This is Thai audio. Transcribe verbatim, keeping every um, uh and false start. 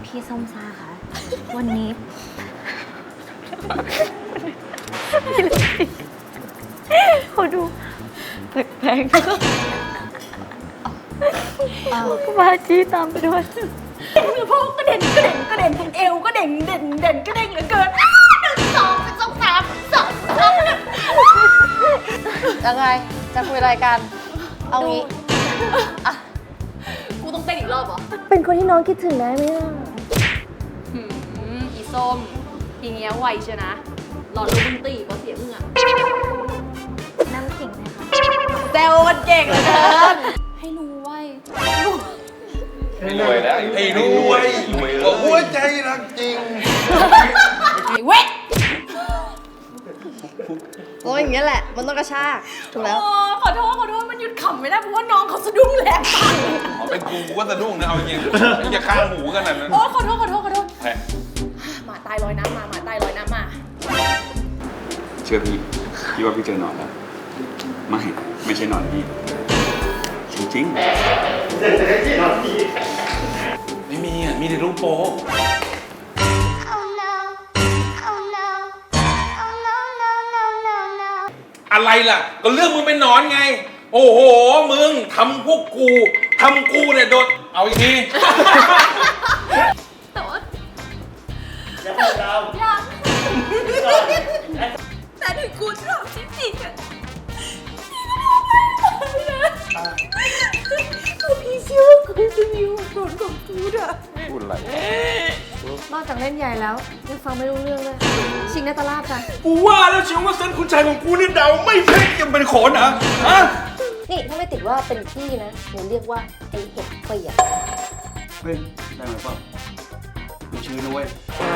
พี่ส้มซ่าคะวันนี้เขาดูแปลกๆมาจี้ตามไปด้วยมือพวกกระเด็นกระเด็นกระเด็นเอวก็เด่งเด่นเด่นกระเด้งเหลือเกินหนึ่งสองสองสามสองสามยังไงจะคุยอะไรกันเอางี้อะกูต้องเต้นอีกรอบเหรอเป็นคนที่น้องคิดถึงได้ไหมล่ะหืมอีส้มทีเงี้ยไวเชียวนะหลอดลมมึงตีก็เสียมึงอะน้ำขิงนะคะแซวกันเก่งเหลือเกินให้รู้ไว้รวยแล้วไอ้รวยหัวใจรักจริงไอ้เว้ยโอ้ยอย่างเงี้ยแหละมันต้องกระชากถูกแล้วโอ้ขอโทษขอโทษมันหยุดขำไม่ได้เพราะว่าน้องเขาสะดุ้งแรงไปอ๋อเป็นกูก็สะดุ้งนะเอาจริงอย่าฆ่าหมูกันนะโอ้ขอโทษขอโทษขอโทษแพ้หมาตายลอยน้ำมาหมาตายลอยน้ำมาเชื่อพี่พี่ว่าพี่เจอหนอนแล้วไม่ไม่ใช่หนอนพี่จริงๆไม่มีอ่ะมีแต่รูปโป๊ อะไรล่ะ ก็เรื่องมึงเป็นหนอนไง โอ้โห มึงทำพวกกูทำกูเนี่ยโดนเอาอีกทีแต่ว่ายังไม่ดาวยังแต่ถึงกูชอบจริงๆอะกูพี่เชื่อว่ากูจะมีหัวโดนของกูอะพูดอะไรนอกจากเล่นใหญ่แล้วยังฟังไม่รู้เรื่องเลยชิงนาตาลาบค่ะกูว่าแล้วเชียวว่าเส้นคุณชายของกูนี่เดาไม่เพ่งยังเป็นโขนเหรอฮะนี่ถ้าไม่ติดว่าเป็นพี่นะหนูเรียกว่าไอเห็ดเปียกเฮ้ยได้ไหมเปล่ากูชื่อนะเว้ยอ๋อ